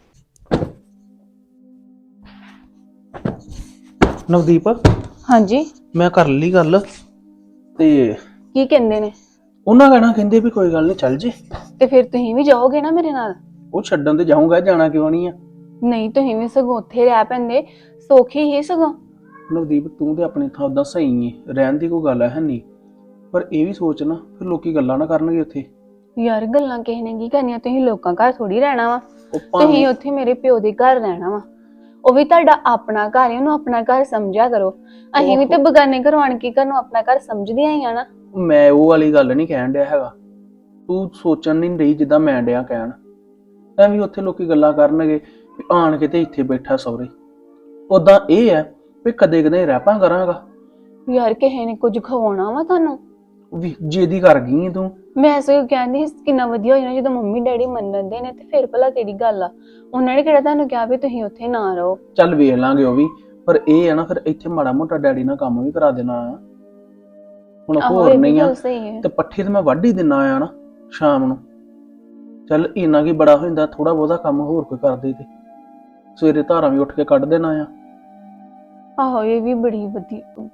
Speaker 1: ਨਵਦੀਪ,
Speaker 2: ਹਾਂਜੀ
Speaker 1: ਮੈਂ ਕਰ ਲਈ ਗੱਲ ਤੇ
Speaker 2: ਕੀ ਕਹਿੰਦੇ ਨੇ?
Speaker 1: ਉਹਨਾਂ ਕਹਿੰਦੇ ਵੀ ਕੋਈ ਗੱਲ ਨਹੀਂ ਚੱਲ ਜੇ।
Speaker 2: ਤੇ ਫਿਰ ਤੁਸੀਂ ਵੀ ਜਾਓਗੇ ਨਾ ਮੇਰੇ ਨਾਲ?
Speaker 1: ਉਹ ਛੱਡਣ ਤੇ ਜਾਊਂਗਾ, ਜਾਣਾ ਕਿਉਂ ਨਹੀਂ ਆ।
Speaker 2: ਨਹੀਂ ਤੁਸੀਂ ਵੀ ਸਗੋਂ ਉੱਥੇ ਰਹਿ ਪੈਂਦੇ, ਸੌਖੀ ਹੀ ਸਗੋਂ।
Speaker 1: ਨਵਦੀਪ ਤੂੰ ਤੇ ਆਪਣੀ ਥਾਂ ਉਦਾਂ ਸਹੀ ਏ, ਰਹਿਣ ਦੀ ਕੋਈ ਗੱਲ ਹੈ ਨਹੀਂ, ਪਰ ਇਹ ਵੀ ਸੋਚ ਨਾ ਫਿਰ ਲੋਕੀ ਗੱਲਾਂ ਨਾ ਕਰਨਗੇ ਉੱਥੇ।
Speaker 2: ਯਾਰ ਗੱਲਾਂ ਕਿਸੇ ਨੇ ਕੀ ਕਰਨੀਆਂ? ਤੁਸੀਂ ਲੋਕਾਂ ਘਰ ਥੋੜੀ ਰਹਿਣਾ ਵਾ,
Speaker 1: ਉਹ ਭਾਵੇਂ
Speaker 2: ਤੁਸੀਂ ਉੱਥੇ ਮੇਰੇ ਪਿਓ ਦੇ ਘਰ ਰਹਿਣਾ ਵਾ। ਉਹ ਵੀ ਤੁਹਾਡਾ ਆਪਣਾ ਘਰ ਹੈ, ਉਹਨੂੰ ਆਪਣਾ ਘਰ ਸਮਝਿਆ ਕਰੋ। ਅਸੀਂ ਵੀ ਤੇ ਬਗਾਨੇ ਘਰੋਂ ਆਣ ਕੇ ਘਰ ਨੂੰ ਆਪਣਾ ਘਰ ਸਮਝਦੇ ਹੀ ਆ ਨਾ।
Speaker 1: ਮੈਂ ਉਹ ਵਾਲੀ ਗੱਲ ਨਹੀਂ ਕਹਿਣ ਡਿਆ ਹੈਗਾ, ਤੂੰ ਸੋਚਣ ਨਹੀਂ ਰਹੀ ਜਿੱਦਾਂ ਮੈਂ ਡਿਆ ਕਹਿਣ। ਐਵੇਂ ਉੱਥੇ ਲੋਕੀ ਗੱਲਾਂ ਕਰਨਗੇ ਵੀ ਆਣ ਕੇ ਤੇ ਇੱਥੇ ਬੈਠਾ ਸਹੁਰੇ। ਉਦਾਂ ਇਹ ਹੈ ਵੀ ਕਦੇ ਕਦੇ ਰਹਿਪਾਂ ਕਰਾਂਗਾ।
Speaker 2: ਯਾਰ ਕਿਸੇ ਨੇ ਕੁਝ ਖਵਾਉਣਾ ਵਾ ਤੁਹਾਨੂੰ?
Speaker 1: ਵੀ ਜਿਹਦੀ ਕਰ ਗਈ ਤੂੰ।
Speaker 2: ਮੈਂ ਸਗੋਂ ਕਹਿੰਦੀ ਸੀ ਕਿੰਨਾ ਵਧੀਆ ਹੋ ਜਾਣਾ ਜਦੋਂ ਮੰਮੀ ਡੈਡੀ ਮੰਨਦੇ ਨੇ, ਤੇ ਫਿਰ ਭਲਾ ਕਿਹੜੀ ਗੱਲ ਆ। ਉਹਨਾਂ ਨੇ ਕਿਹੜਾ ਤੁਹਾਨੂੰ ਕਿਹਾ ਵੀ ਤੁਸੀਂ ਉੱਥੇ ਨਾ ਰਹੋ।
Speaker 1: ਚੱਲ ਵੇਖ ਲਾਂਗੇ ਉਹ ਵੀ, ਪਰ ਇਹ ਹੈ ਨਾ ਫਿਰ ਇੱਥੇ ਮਾੜਾ ਮੋਟਾ ਡੈਡੀ ਨਾਲ ਕੰਮ ਵੀ ਕਰਾ ਦੇਣਾ ਆ। ਹੁਣ
Speaker 2: ਆਹੋ,
Speaker 1: ਹੋਰ
Speaker 2: ਇਹ ਵੀ
Speaker 1: ਨਹੀਂ ਆ
Speaker 2: ਗੱਲ ਸਹੀ ਹੈ।
Speaker 1: ਤੇ ਪੱਠੇ ਤੇ ਮੈਂ ਵੱਢ ਹੀ ਦਿੰਨਾ ਆ ਨਾ ਸ਼ਾਮ ਨੂੰ। ਚੱਲ ਇੰਨਾ ਕੀ ਬੜਾ ਹੋ ਜਾਂਦਾ, ਥੋੜਾ ਬਹੁਤਾ ਕੰਮ ਹੋਰ ਕੋਈ ਕਰਦੇ ਤੇ ਸਵੇਰੇ ਧਾਰਾਂ ਵੀ ਉੱਠ ਕੇ ਕੱਢ ਦੇਣਾ ਆ।
Speaker 2: ਆਹੋ ਇਹ ਵੀ ਬੜੀ ਵਧੀਆ।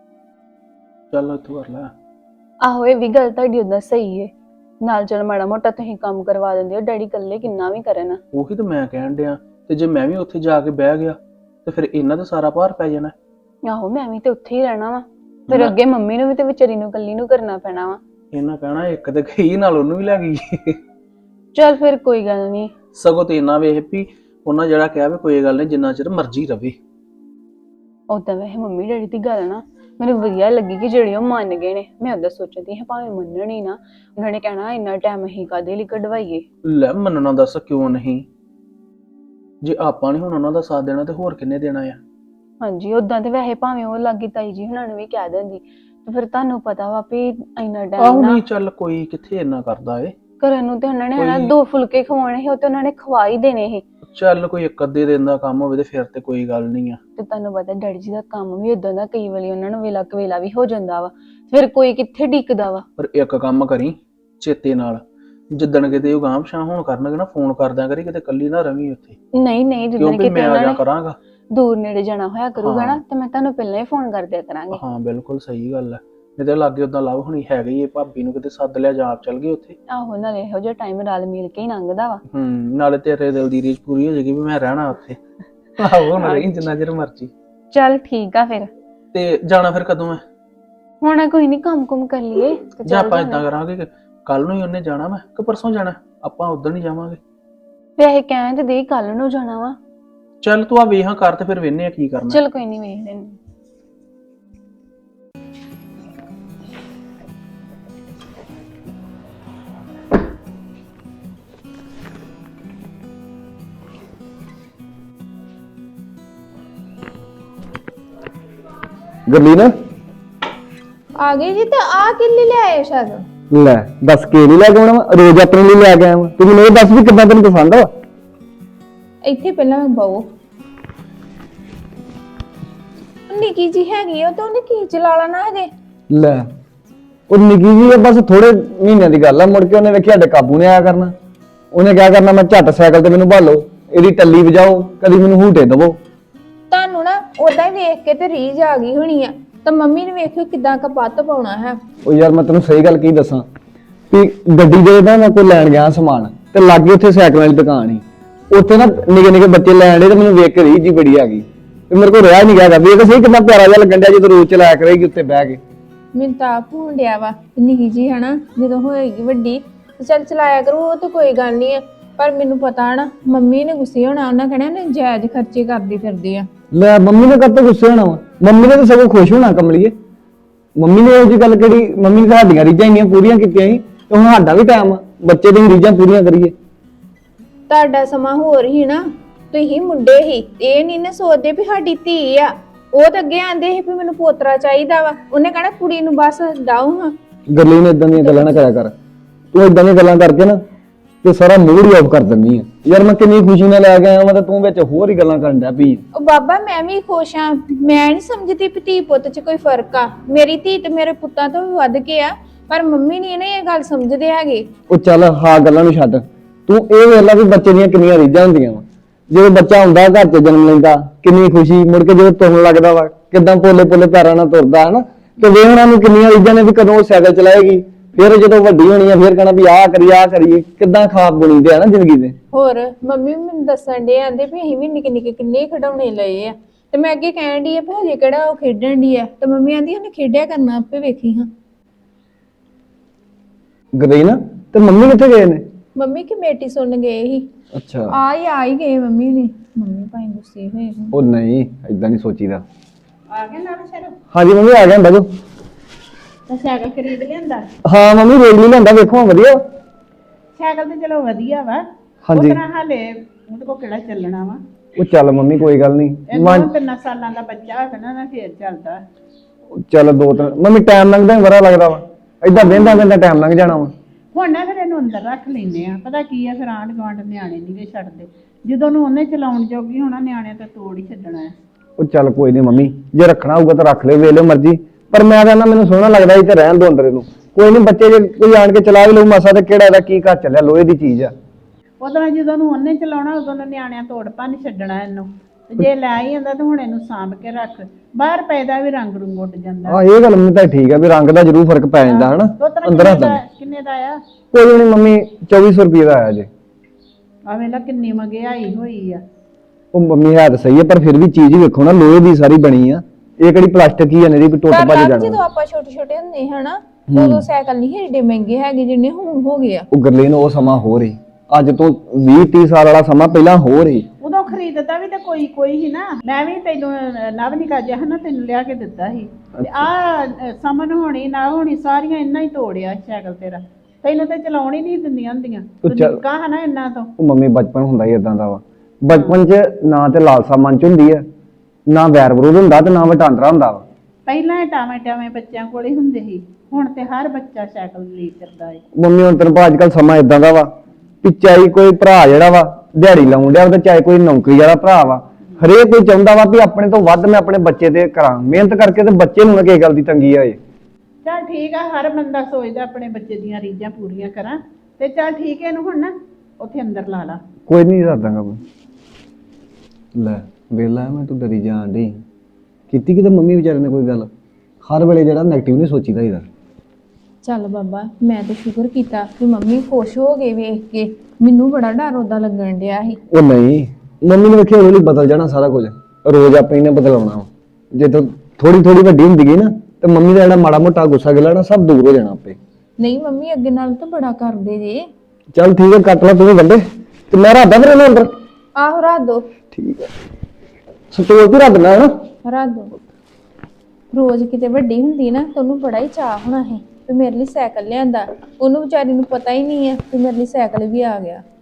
Speaker 1: ਚੱਲ ਇੱਥੋਂ ਕਰ ਲੈ।
Speaker 2: ਆਹੋ ਇਹ ਵੀ ਗੱਲ ਤੁਹਾਡੀ ਉਦਾਂ ਸਹੀ ਹੈ। ਨਾਲ ਚਲ ਮਾੜਾ ਮੋਟਾ ਤੁਸੀਂ ਕੰਮ ਕਰਵਾ ਦਿੰਦੇ ਹੋ, ਡੈਡੀ ਇਕੱਲੇ ਕਿੰਨਾ ਵੀ ਕਰਨ।
Speaker 1: ਉਹੀ ਤਾਂ ਮੈਂ ਕਹਿਣ ਡਿਆ, ਤੇ ਜੇ ਮੈਂ ਵੀ ਉੱਥੇ ਜਾ ਕੇ ਬਹਿ ਗਿਆ ਤੇ ਫਿਰ ਇਹਨਾਂ ਦਾ ਸਾਰਾ ਭਾਰ ਪੈ ਜਾਣਾ।
Speaker 2: ਆਹੋ ਮੈਂ ਵੀ ਤੇ ਉੱਥੇ ਹੀ ਰਹਿਣਾ ਵਾ, ਫਿਰ ਅੱਗੇ ਮੰਮੀ ਨੂੰ ਵੀ ਤੇ ਵਿਚਾਰੀ ਨੂੰ ਇਕੱਲੀ ਨੂੰ ਕਰਨਾ ਪੈਣਾ ਵਾ।
Speaker 1: ਇਹਨਾਂ ਕਹਿਣਾ ਇੱਕ ਤੇ ਗਈ ਨਾਲ ਉਹਨੂੰ ਵੀ ਲੈ ਗਈ।
Speaker 2: ਚੱਲ ਫਿਰ ਕੋਈ ਗੱਲ ਨਹੀਂ।
Speaker 1: ਸਗੋਂ ਤੇ ਇਹਨਾਂ ਵੇਖ ਵੀ ਉਹਨਾਂ ਜਿਹੜਾ ਕਿਹਾ ਵੀ ਕੋਈ ਗੱਲ ਨਹੀਂ ਜਿੰਨਾ ਚਿਰ ਮਰਜ਼ੀ ਰਵੇ।
Speaker 2: ਉਦਾਂ ਵੈਸੇ ਮੰਮੀ ਡੈਡੀ ਦੀ ਗੱਲ ਨਾ ਮੈਨੂੰ ਵਧੀਆ ਲੱਗੀ ਕਿ ਜਿਹੜੇ ਉਹ ਮੰਨ ਗਏ ਨੇ। ਮੈਂ ਉਦਾਂ ਸੋਚਦੀ ਹਾਂ ਭਾਵੇਂ ਮੰਨਣ ਹੀ ਨਾ, ਉਹਨਾਂ ਨੇ ਕਹਿਣਾ ਇੰਨਾ ਟਾਈਮ ਅਸੀਂ ਕਾਹਦੇ ਲਈ ਕਢਵਾਈਏ।
Speaker 1: ਲੈ ਮੰਨਣਾ ਦੱਸ ਕਿਉਂ ਨਹੀਂ? ਜੇ ਆਪਾਂ ਨਹੀਂ ਹੁਣ ਉਹਨਾਂ ਦਾ ਸਾਥ ਦੇਣਾ ਤੇ ਹੋਰ ਕਿੰਨੇ ਦੇਣਾ ਆ?
Speaker 2: ਹਾਂਜੀ ਉਦਾਂ ਤੇ ਵੈਸੇ ਭਾਵੇਂ ਉਹ ਲਾਗੀ ਤਾਈ ਜੀ ਹੁਣਾਂ ਨੂੰ ਵੀ ਕਹਿ ਦਿੰਦੀ, ਤੇ ਫਿਰ ਤੁਹਾਨੂੰ ਪਤਾ ਵਾ ਵੀ ਇੰਨਾ
Speaker 1: ਆਹੋ
Speaker 2: ਟਾਈਮ ਨਾ
Speaker 1: ਨਹੀਂ, ਚੱਲ ਕੋਈ ਕਿੱਥੇ ਇੰਨਾ ਕਰਦਾ ਏ।
Speaker 2: ਕਰਨ ਨੂੰ ਤੇ ਉਹਨਾਂ ਨੇ ਹਨਾ
Speaker 1: ਕੋਈ-
Speaker 2: 2 ਫੁਲਕੇ ਖਵਾਉਣੇ ਸੀ, ਉਹ ਤੇ ਉਹਨਾਂ ਨੇ ਖਵਾ ਹੀ ਦੇਣੇ ਸੀ।
Speaker 1: ਚੱਲ ਕੋਈ ਇੱਕ ਅੱਧੇ ਦਿਨ ਦਾ ਕੰਮ ਹੋਵੇ ਤੇ ਫਿਰ ਤੇ ਕੋਈ ਗੱਲ ਨਹੀਂ ਆ।
Speaker 2: ਤੇ ਤੁਹਾਨੂੰ ਪਤਾ ਡੈਡੀ ਜੀ ਦਾ ਕੰਮ ਵੀ ਇਦਾਂ ਦਾ, ਕਈ ਵਾਰੀ ਉਹਨਾਂ ਨੂੰ ਵੇਲਾ ਕਵੇਲਾ ਵੀ ਹੋ ਜਾਂਦਾ ਵਾ, ਫਿਰ ਕੋਈ ਕਿੱਥੇ ਡਿੱਕਦਾ ਵਾ।
Speaker 1: ਪਰ ਇੱਕ ਕੰਮ ਕਰੀ ਚੇਤੇ ਨਾਲ, ਜਿੱਦਣ ਕਿਤੇ ਉਹ ਗਾਂਵ ਸ਼ਾਂ ਹੋਣ ਕਰਨਗੇ ਨਾ ਫੋਨ ਕਰਦਿਆਂ ਕਰੀ, ਕਿਤੇ ਕੱਲੀ ਨਾ ਰਵੀਂ ਉੱਥੇ।
Speaker 2: ਨਹੀਂ ਨਹੀਂ, ਜਿੱਦਣ
Speaker 1: ਕਿਉਂਕਿ
Speaker 2: ਕਿਤੇ
Speaker 1: ਮੈਂ ਆ
Speaker 2: ਉਹਨਾਂ
Speaker 1: ਜਾ
Speaker 2: ਨੇ
Speaker 1: ਕਰਾਂਗਾ।
Speaker 2: ਦੂਰ ਨੇੜੇ ਜਾਣਾ ਹੋਇਆ ਕਰੂਗਾ ਨਾ,
Speaker 1: ਹਾਂ।
Speaker 2: ਤੇ ਮੈਂ ਤੁਹਾਨੂੰ ਪਹਿਲਾਂ ਹੀ ਫੋਨ ਕਰ ਦਿਆ ਕਰਾਂਗੇ।
Speaker 1: ਹਾਂ ਬਿਲਕੁਲ ਸਹੀ ਗੱਲ ਹੈ। ਇਹਦੇ ਲਾਗੇ ਉਦਾਂ ਲਵ ਹੋਣੀ ਹੈਗੇ ਹੀ, ਭਾਬੀ ਨੂੰ ਕਿਤੇ ਸੱਦ ਲਿਆ ਜਾਂ ਆਪ ਚੱਲ ਗਏ ਉੱਥੇ।
Speaker 2: ਆਹੋ ਨਾਲੇ ਇਹੋ ਜਿਹਾ ਟਾਈਮ ਰਲ ਮਿਲ ਕੇ ਹੀ ਲੰਘਦਾ ਵਾ।
Speaker 1: ਨਾਲੇ ਤੇਰੇ ਦਿਲ ਦੀ ਰੀਝ ਪੂਰੀ ਹੋ ਜਾਏਗੀ ਵੀ ਮੈਂ ਰਹਿਣਾ ਉੱਥੇ। ਆਹੋ ਹੁਣ ਰਹੀ ਜਿੰਨਾ ਚਿਰ ਮਰਜ਼ੀ।
Speaker 2: ਚੱਲ ਠੀਕ ਆ ਫਿਰ।
Speaker 1: ਤੇ ਜਾਣਾ ਫਿਰ ਕਦੋਂ ਹੈ?
Speaker 2: ਹੁਣ ਕੋਈ ਨਹੀਂ, ਕੰਮ ਕੁਮ ਕਰ ਲਈਏ ਤੇ
Speaker 1: ਜਾਂ
Speaker 2: ਚੱਲ
Speaker 1: ਆਪਾਂ
Speaker 2: ਜਾਣਾ।
Speaker 1: ਇਦਾਂ ਕਰਾਂਗੇ ਕਿ ਕੱਲ ਨੂੰ ਹੀ ਉਹਨੇ ਜਾਣਾ ਮੈਂ ਕਿ ਪਰਸੋਂ ਜਾਣਾ? ਆਪਾਂ ਉਦੋਂ ਹੀ ਜਾਵਾਂਗੇ।
Speaker 2: ਵੈਸੇ ਕਹਿਣ ਤੇ ਦੇ ਕੱਲ ਨੂੰ ਜਾਣਾ ਵਾ।
Speaker 1: ਚੱਲ ਤੂੰ ਆ ਵੇਹਾਂ ਕਰ ਤੇ ਫਿਰ ਵੇਖਨੇ ਆ ਕੀ ਕਰਨਾ।
Speaker 2: ਚੱਲ ਕੋਈ ਨਹੀਂ, ਵੇਖ ਲੈਂਦੇ।
Speaker 6: ਗਰਲੀਨ
Speaker 4: ਆ ਗਈ ਜੀ। ਤੇ ਆ ਕਿੱਲੀ ਲੈ ਆਏ ਸ਼ਾਇਦ।
Speaker 6: ਲੈ ਦੱਸ ਕੇ ਨਹੀਂ ਲੈ ਕੇ ਆਉਣਾ ਵਾ, ਰੋਜ਼ ਆਪਣੇ ਲਈ ਲੈ ਕੇ ਆਇਆ ਵਾ। ਤੂੰ ਮੈਨੂੰ ਇਹ ਦੱਸ ਵੀ ਕਿੱਦਾਂ ਤੈਨੂੰ ਪਸੰਦ ਆ?
Speaker 4: ਇੱਥੇ ਪਹਿਲਾਂ ਬਾਓ ਨਿੱਕੀ ਜੀ ਹੈਗੀ ਉਹ ਤਾਂ ਉਹਨੇ ਕੀ ਚਲਾ ਲੈਣਾ ਹਜੇ।
Speaker 6: ਲੈ ਉਹ ਨਿੱਕੀ ਜੀ ਆ, ਬਸ ਥੋੜੇ ਮਹੀਨਿਆਂ ਦੀ ਗੱਲ ਆ, ਮੁੜ ਕੇ ਉਹਨੇ ਵੇਖਿਆ ਸਾਡੇ ਕਾਬੂ ਨੇ ਆਇਆ ਕਰਨਾ। ਉਹਨੇ ਕਿਆ ਕਰਨਾ, ਮੈਂ ਝੱਟ ਸਾਈਕਲ ਤੇ ਮੈਨੂੰ ਭਾਲੋ, ਇਹਦੀ ਟੱਲੀ ਵਜਾਓ, ਕਦੀ ਮੈਨੂੰ ਹੂਟੇ ਦਵੋ।
Speaker 4: ਤੁਹਾਨੂੰ ਨਾ ਉਦਾਂ ਹੀ ਵੇਖ ਕੇ ਤੇ ਰੀਝ ਆ ਗਈ ਹੋਣੀ ਆ, ਤਾਂ ਮੰਮੀ ਨੇ ਵੇਖਿਓ ਕਿਦਾਂ ਕਪੱਤ ਪਾਉਣਾ ਹੈ।
Speaker 6: ਉਹ ਯਾਰ ਮੈਂ ਤੈਨੂੰ ਸਹੀ ਗੱਲ ਕੀ ਦੱਸਾਂ ਵੀ ਗੱਡੀ ਦੇ ਨਾ ਮੈਂ ਕੋਈ ਲੈਣ ਗਿਆ ਸਮਾਨ, ਤੇ ਲਾਗੇ ਉੱਥੇ ਸਾਈਕਲਾਂ ਦੀ ਦੁਕਾਨ ਸੀ, ਉੱਥੇ ਨਾ ਨਿੱਕੇ ਨਿੱਕੇ ਬੱਚੇ ਲੈਣ ਦੇ, ਤੇ ਮੈਨੂੰ ਵੇਖ ਕੇ ਰੀਝ ਜੀ ਬੜੀ ਆ ਗਈ। ਤੇ ਮੇਰੇ ਕੋਲ ਰਿਹਾ ਨਹੀਂ ਗਿਆ, ਵੇਖ ਸਹੀ ਕਿੰਨਾ ਪਿਆਰਾ ਜਿਹਾ ਲੱਗਣ ਡਿਆ ਜਦੋਂ ਰੋਜ਼ ਚਲਾਇਆ ਕਰੇਗੀ ਉੱਤੇ ਬਹਿ ਕੇ।
Speaker 4: ਮੈਨੂੰ ਤਾਂ ਆਪ ਹੋਣ ਡਿਆ ਵਾ ਨਿੱਕੀ ਜੀ ਹਨਾ, ਜਦੋਂ ਹੋਏਗੀ ਵੱਡੀ ਤੇ ਚੱਲ ਚਲਾਇਆ ਕਰੂ, ਉਹ ਤਾਂ ਕੋਈ ਗੱਲ ਨਹੀਂ ਆ। ਪਰ ਮੈਨੂੰ ਪਤਾ ਨਾ ਮੰਮੀ ਨੇ ਗੁੱਸੇ ਹੋਣਾ, ਉਹਨਾਂ ਕਹਿਣਾ ਨੇ ਜਾਇਜ਼ ਖਰਚੇ ਕਰਦੀ ਫਿਰਦੇ ਆ।
Speaker 6: ਲੈ ਮੰਮੀ ਨੇ ਕਦ ਤੋਂ ਗੁੱਸੇ ਹੋਣਾ ਵਾ? ਮੰਮੀ ਨੇ ਤਾਂ ਸਗੋਂ ਖੁਸ਼ ਹੋਣਾ ਕਮਲੀਏ। ਮੰਮੀ ਨੇ ਉਹ ਜੀ ਗੱਲ ਕਿਹੜੀ, ਮੰਮੀ ਨੇ ਸਾਡੀਆਂ ਰੀਝਾਂ ਇੰਨੀਆਂ ਪੂਰੀਆਂ ਕੀਤੀਆਂ ਸੀ, ਤੇ ਹੁਣ ਸਾਡਾ ਵੀ ਟਾਈਮ ਆ ਬੱਚੇ ਦੀਆਂ ਰੀਝਾਂ ਪੂਰੀਆਂ ਕਰੀਏ।
Speaker 4: ਤੁਹਾਡਾ ਸਮਾਂ ਹੋਰ ਹੀ ਨਾ, ਤੁਸੀਂ ਮੁੰਡੇ ਹੀ, ਇਹ ਨਹੀਂ ਨਾ ਸੋਚਦੇ ਵੀ ਸਾਡੀ ਧੀ ਆ। ਉਹ ਤਾਂ ਅੱਗੇ ਆਂਦੇ ਸੀ ਵੀ ਮੈਨੂੰ ਪੋਤਰਾ ਚਾਹੀਦਾ ਵਾ, ਉਹਨੇ ਕਹਿਣਾ ਕੁੜੀ ਨੂੰ ਬਸ ਡਾਉ ਹਾਂ।
Speaker 6: ਗੱਲੀ ਨੇ ਇਦਾਂ ਦੀਆਂ ਗੱਲਾਂ ਨਾ ਕਰਿਆ ਕਰ ਤੂੰ, ਇਦਾਂ ਦੀਆਂ ਗੱਲਾਂ ਕਰਕੇ ਨਾ ਤੇ ਸਾਰਾ ਮੂਡ ਹੀ ਆਫ ਕਰ ਦਿੰਦੀ ਆ। ਯਾਰ ਮੈਂ ਕਿੰਨੀ ਖੁਸ਼ੀ ਨਾਲ ਲੈ ਕੇ ਆਇਆ ਮੈਂ, ਤਾਂ ਤੂੰ ਵਿੱਚ ਹੋਰ ਹੀ ਗੱਲਾਂ ਕਰਨ ਡਿਆ ਪਈ।
Speaker 4: ਉਹ ਬਾਬਾ ਮੈਂ ਵੀ ਖੁਸ਼ ਆ, ਮੈਂ ਨਹੀਂ ਸਮਝਦੀ ਵੀ ਧੀ ਪੁੱਤ 'ਚ ਕੋਈ ਫਰਕ ਆ। ਮੇਰੀ ਧੀ ਤੇ ਮੇਰੇ ਪੁੱਤਾਂ ਤੋਂ ਵੀ ਵੱਧ ਕੇ ਆ, ਪਰ ਮੰਮੀ ਨਹੀਂ ਨਾ ਇਹ ਗੱਲ ਸਮਝਦੇ ਹੈਗੇ।
Speaker 6: ਉਹ ਚੱਲ ਹਾਂ ਗੱਲਾਂ ਨੂੰ ਛੱਡ, ਤੂੰ ਇਹ ਵੇਖ ਲੈ ਵੀ ਬੱਚੇ ਦੀਆਂ ਕਿੰਨੀਆਂ ਰੀਝਾਂ ਹੁੰਦੀਆਂ ਵਾ। ਜਦੋਂ ਬੱਚਾ ਹੁੰਦਾ ਘਰ 'ਚ ਜਨਮ ਲੈਂਦਾ ਕਿੰਨੀ ਖੁਸ਼ੀ, ਮੁੜ ਕੇ ਜਦੋਂ ਤੁਰਨ ਲੱਗਦਾ ਵਾ ਕਿਦਾਂ ਪੋਲੇ ਪੋਲੇ ਪੈਰਾਂ ਨਾਲ ਤੁਰਦਾ ਹੈ ਨਾ, ਤੇ ਵੇਖ ਉਹਨਾਂ ਨੂੰ ਕਿੰਨੀਆਂ ਰੀਝਾਂ ਨੇ ਵੀ ਕਦੋਂ ਉਹ ਸਾਈਕਲ ਚਲਾਏਗੀ, ਫਿਰ ਜਦੋਂ ਵੱਡੀ ਹੋਣੀ ਆ ਫਿਰ ਕਹਿਣਾ ਵੀ ਆਹ ਕਰੀਏ, ਕਿੱਦਾਂ ਖਾਬ ਬਣੀਦੇ ਆ ਨਾ ਜ਼ਿੰਦਗੀ ਦੇ।
Speaker 4: ਹੋਰ ਮੰਮੀ ਵੀ ਮੈਨੂੰ ਦੱਸਣ ਦੇ ਆਂਦੇ ਵੀ ਅਸੀਂ ਵੀ ਨਿੱਕੇ ਨਿੱਕੇ ਕਿੰਨੇ ਖਿਡੌਣੇ ਲਏ ਆ, ਤੇ ਮੈਂ ਅੱਗੇ ਕਹਿਣ ਦੀ ਆ ਵੀ ਹਜੇ ਕਿਹੜਾ ਉਹ ਖੇਡਣ ਦੀ ਆ, ਤੇ ਮੰਮੀ ਆਂਦੀ ਉਹਨੇ ਖੇਡਿਆ ਕਰਨਾ, ਆਪੇ ਵੇਖੀ ਹਾਂ।
Speaker 6: ਗਈ ਨਾ ਤੇ ਮੰਮੀ ਕਿੱਥੇ ਗਏ ਨੇ?
Speaker 4: ਮੰਮੀ ਕਮੇਟੀ ਸੁਣ ਗਏ ਸੀ।
Speaker 6: ਅੱਛਾ
Speaker 4: ਆ ਹੀ ਗਏ ਮੰਮੀ ਨੇ। ਮੰਮੀ ਭਾਈ ਗੁੱਸੇ ਹੋਏ ਹੋਣ।
Speaker 6: ਉਹ ਨਹੀਂ ਇਦਾਂ ਨਹੀਂ ਸੋਚੀਦਾ।
Speaker 5: ਆ ਗਿਆ ਨਾ ਸ਼ਰ
Speaker 6: ਹਾਂਜੀ ਮੰਮੀ ਆ ਗਿਆ ਬਾਜੋ।
Speaker 5: ਤਾਂ ਸਾਈਕਲ ਖਰੀਦ ਲਿਆਂਦਾ।
Speaker 6: ਹਾਂ ਮੰਮੀ ਵੇਖ ਲਈ ਲੈਂਦਾ ਵੇਖੋ ਵਧੀਆ।
Speaker 5: ਸਾਈਕਲ ਤੇ ਚਲੋ ਵਧੀਆ ਵਾ
Speaker 6: ਹਾਂਜੀ।
Speaker 5: ਉਤਰਾ ਹਾਲੇ ਉਹਦੇ ਕੋ ਕਿਹੜਾ ਚੱਲਣਾ ਵਾ।
Speaker 6: ਉਹ ਚੱਲ ਮੰਮੀ ਕੋਈ ਗੱਲ ਨਹੀਂ
Speaker 5: ਇਹ 2-3 ਸਾਲਾਂ ਦਾ ਬੱਚਾ ਹੋਵੇ ਨਾ ਫੇਰ ਚੱਲਦਾ।
Speaker 6: ਚੱਲ 2-3 ਮੰਮੀ ਟਾਈਮ ਲੰਘਦਾ ਹੀ ਬੜਾ ਲੱਗਦਾ ਵਾ। ਏਦਾਂ ਬਹਿੰਦਾ ਟਾਈਮ ਲੰਘ ਜਾਣਾ ਵਾ।
Speaker 5: ਹੁਣ ਨਾ ਫਿਰ ਇਹਨੂੰ ਅੰਦਰ ਰੱਖ ਲੈਨੇ ਆ। ਪਤਾ ਕੀ ਆ ਫਿਰ ਆਂਢ ਗੁਆਂਢ ਨਿਆਣੇ ਨਹੀਂ ਵੇ ਛੱਡਦੇ। ਜਦੋਂ ਨੂੰ ਉਹਨੇ ਚਲਾਉਣ ਜੋਗੀ ਹੋਣਾ ਨਿਆਣਿਆਂ ਤੇ ਤੋੜ ਹੀ ਛੱਡਣਾ ਹੈ।
Speaker 6: ਉਹ ਚੱਲ ਕੋਈ ਨਹੀਂ ਮੰਮੀ ਜੇ ਰੱਖਣਾ ਹੋਊਗਾ ਤਾਂ ਰੱਖ ਲਿਓ ਵੇਖ ਲਿਓ ਮਰਜ਼ੀ। ਪਰ ਮੈਂ ਕਹਿੰਦਾ ਮੈਨੂੰ ਸੋਹਣਾ ਲੱਗਦਾ ਸੀ ਤੇ ਰਹਿਣ ਦੋ ਅੰਦਰ ਇਹਨੂੰ। ਕੋਈ ਨਹੀਂ ਬੱਚੇ ਜੇ ਕੋਈ ਆਣ ਕੇ ਚਲਾ ਵੀ ਲਊ ਮਾਸਾ ਤੇ ਕਿਹੜਾ ਇਹਦਾ ਕੀ ਘਰ ਚੱਲਿਆ ਲੋਹੇ ਦੀ ਚੀਜ਼ ਆ।
Speaker 5: ਉਦੋਂ ਜਦੋਂ ਨੂੰ ਉਹਨੇ ਚਲਾਉਣਾ ਉਦੋਂ ਨੂੰ ਨਿਆਣਿਆਂ ਤੋੜ ਭੰਨ ਛੱਡਣਾ ਇਹਨੂੰ। ਤੇ ਜੇ ਲੈ ਹੀ ਆਂਦਾ ਤਾਂ ਹੁਣ ਇਹਨੂੰ ਸਾਂਭ ਕੇ ਰੱਖ। ਬਾਹਰ ਪੈਦਾ ਵੀ ਰੰਗ ਰੁੰਗ ਉੱਡ ਜਾਂਦਾ।
Speaker 6: ਹਾਂ ਇਹ ਗੱਲ ਮੈਨੂੰ ਤਾਂ ਠੀਕ ਆ ਵੀ ਰੰਗ ਦਾ ਜ਼ਰੂਰ ਫਰਕ ਪੈ ਜਾਂਦਾ ਹਨਾ। ਅੰਦਰ ਹੱਥ
Speaker 5: ਕਿੰਨੇ ਦਾ ਆ?
Speaker 6: ਕੋਈ ਨਹੀਂ ਮੰਮੀ 2400 ਰੁਪਏ ਦਾ ਆਇਆ ਜੇ।
Speaker 5: ਆ ਵੇਲਾ ਕਿੰਨੀ ਮਹਿੰਗਾਈ ਹੋਈ ਆ।
Speaker 6: ਉਹ ਮੰਮੀ ਹੈ ਤਾਂ ਸਹੀ ਹੈ ਪਰ ਫਿਰ ਵੀ ਚੀਜ਼ ਵੇਖੋ ਨਾ ਲੋਹੇ ਦੀ ਸਾਰੀ ਬਣੀ ਆ। ਇਹ ਕਿਹੜੀ ਪਲਾਸਟਿਕ ਹੀ ਆ ਨਹੀਂ ਵੀ ਟੁੱਟ ਭੱਜ
Speaker 4: ਪਰ
Speaker 6: ਜਾਣਾ।
Speaker 4: ਜਦੋਂ ਆਪਾਂ ਛੋਟੇ ਛੋਟੇ ਹੁੰਦੇ ਹਨਾ ਉਦੋਂ ਸਾਈਕਲ ਨਹੀਂ ਏਡੇ ਮਹਿੰਗੇ ਹੈਗੇ ਜਿੰਨੇ ਹੁਣ ਹੋ ਗਏ ਆ।
Speaker 6: ਉਹ ਗਰਲੀਨ ਉਹ ਸਮਾਂ ਹੋ ਰਹੀ ਅੱਜ ਤੋਂ 20-30 ਸਾਲ ਵਾਲਾ ਸਮਾਂ ਪਹਿਲਾਂ ਹੋ ਰਹੀ।
Speaker 5: ਉਦੋਂ ਖਰੀਦਦਾ ਵੀ ਤਾਂ ਕੋਈ ਸੀ ਨਾ। ਮੈਂ ਵੀ ਤੈਨੂੰ ਨਵ ਨਿਕਾ ਜਿਹਾ ਨਾ ਤੈਨੂੰ ਲਿਆ ਕੇ ਦਿੱਤਾ ਸੀ। ਤੇ ਆ ਸਮਨ ਹੋਣੀ ਨਾ ਹੋਣੀ ਸਾਰੀਆਂ ਇੰਨਾ ਹੀ ਤੋੜਿਆ ਸਾਈਕਲ ਤੇਰਾ। ਤੈਨੂੰ ਤੇ ਚਲਾਉਣ ਹੀ ਨਹੀਂ ਦਿੰਦੀਆਂ ਹੁੰਦੀਆਂ। ਤੂੰ ਨਿੱਕਾ ਹੈ ਨਾ ਇੰਨਾ ਤੋਂ।
Speaker 6: ਉਹ ਮੰਮੀ ਬਚਪਨ ਹੁੰਦਾ ਹੀ ਇਦਾਂ ਦਾ ਵਾ। ਬਚਪਨ 'ਚ ਨਾ ਤੇ ਲਾਲਸਾ ਮਨ 'ਚ ਹੁੰਦੀ ਆ ਨਾ ਵੈਰ ਵਿਰੋਧ ਹੁੰਦਾ ਤੇ ਨਾ ਵਟਾਂਦਰਾ ਹੁੰਦਾ ਵਾ।
Speaker 5: ਪਹਿਲਾਂ ਟਾਵੇਂ ਬੱਚਿਆਂ ਕੋਲ ਹੀ ਹੁੰਦੇ ਸੀ। ਹੁਣ ਤੇ ਹਰ ਬੱਚਾ ਸਾਈਕਲ ਲਈ ਫਿਰਦਾ ਏ।
Speaker 6: ਮੰਮੀ ਹੁਣ ਤੈਨੂੰ ਅੱਜ ਕੱਲ ਸਮਾਂ ਇਦਾਂ ਦਾ ਵਾ ਕਿ ਚਾਹੇ ਕੋਈ ਭਰਾ ਜਿਹੜਾ ਵਾ ਦਿਹਾੜੀ ਲਾਉਣ ਡਿਆ ਤੇ ਚਾਹੇ ਕੋਈ ਨੌਕਰੀ ਵਾਲਾ ਭਰਾ ਵਾ ਹਰੇਕ ਕੋਈ ਚਾਹੁੰਦਾ ਵਾ ਵੀ ਆਪਣੇ ਤੋਂ ਵੱਧ ਮੈਂ ਆਪਣੇ ਬੱਚੇ ਤੇ ਕਰਾਂ ਮਿਹਨਤ ਕਰਕੇ ਤੇ ਬੱਚੇ ਨੂੰ ਨਾ ਕਿਸੇ ਗੱਲ ਦੀ ਤੰਗੀ ਆਏ।
Speaker 5: ਚੱਲ ਠੀਕ ਆ ਹਰ ਬੰਦਾ ਸੋਚਦਾ ਆਪਣੇ ਬੱਚੇ ਦੀਆਂ ਰੀਝਾਂ ਪੂਰੀਆਂ ਕਰਾਂ। ਤੇ ਚੱਲ ਠੀਕ ਹੈ ਇਹਨੂੰ ਹੁਣ ਨਾ ਉੱਥੇ ਅੰਦਰ ਲਾ ਲਾ।
Speaker 6: ਕੋਈ ਨਹੀਂ ਦੱਸ ਦਾਂਗਾ ਮੈਂ। ਲੈ ਵੇਲਾ ਮੈਂ ਤੂੰ ਡਰੀ ਜਾਣ ਡਈ ਕੀਤੀ ਕਿਤੇ ਮੰਮੀ ਵਿਚਾਰੇ ਨੇ ਕੋਈ ਗੱਲ। ਹਰ ਵੇਲੇ ਜਿਹੜਾ ਨੈਗੇਟਿਵ ਨਹੀਂ ਸੋਚੀਦਾ ਇਹਦਾ।
Speaker 4: ਚੱਲ ਬਾਬਾ ਮੈਂ ਤਾਂ ਸ਼ੁਕਰ ਕੀਤਾ ਕਿ ਮੰਮੀ ਖੁਸ਼ ਹੋ ਗਏ ਵੇਖ ਕੇ। ਮੈਨੂੰ ਬੜਾ ਡਰ ਉਹਦਾ ਲੱਗਣ ਡਿਆ ਸੀ।
Speaker 6: ਉਹ ਨਹੀਂ ਮੰਮੀ ਨੇ ਵੇਖਿਆ ਹੌਲੀ ਬਦਲ ਜਾਣਾ ਸਾਰਾ ਕੁਝ। ਰੋਜ਼ ਆਪਣੀ ਨੇ ਬਦਲਾਉਣਾ ਵਾ। ਜਦੋਂ ਥੋੜੀ ਵੱਡੀ ਹੁੰਦੀ ਗਈ ਨਾ ਤੇ ਮੰਮੀ ਦਾ ਜਿਹੜਾ ਮਾੜਾ ਮੋਟਾ ਗੁੱਸਾ ਗਿਲਾ ਨਾ ਸਭ ਦੂਰ ਹੋ ਜਾਣਾ ਆਪੇ।
Speaker 4: ਨਹੀਂ ਮੰਮੀ ਅੱਗੇ ਨਾਲ ਤਾਂ ਬੜਾ ਕਰਦੇ ਜੇ।
Speaker 6: ਚੱਲ ਠੀਕ ਹੈ ਕੱਟ ਲਾ ਤੂੰ ਵੀ ਗੰਢੇ ਤੇ ਮੈਂ ਰੱਖਦਾ ਫਿਰ ਇਹਨੂੰ ਅੰਦਰ।
Speaker 4: ਆਹੋ ਰੱਖ ਦੋ।
Speaker 6: ਠੀਕ ਹੈ ਸਟੋਰ ਤੇ ਰੱਖ ਦੇਣਾ ਹੈ ਨਾ।
Speaker 4: ਰੱਖ ਦੋ। ਰੋਜ਼ ਕਿਤੇ ਵੱਡੀ ਹੁੰਦੀ ਨਾ ਤਾਂ ਉਹਨੂੰ ਬੜਾ ਹੀ ਚਾਅ ਹੋਣਾ ਸੀ ਤੇ ਮੇਰੇ ਲਈ ਸਾਈਕਲ ਲਿਆਂਦਾ। ਉਹਨੂੰ ਵਿਚਾਰੀ ਨੂੰ ਪਤਾ ਹੀ ਨਹੀਂ ਹੈ ਕਿ ਮੇਰੇ ਲਈ ਸਾਈਕਲ ਵੀ ਆ ਗਿਆ।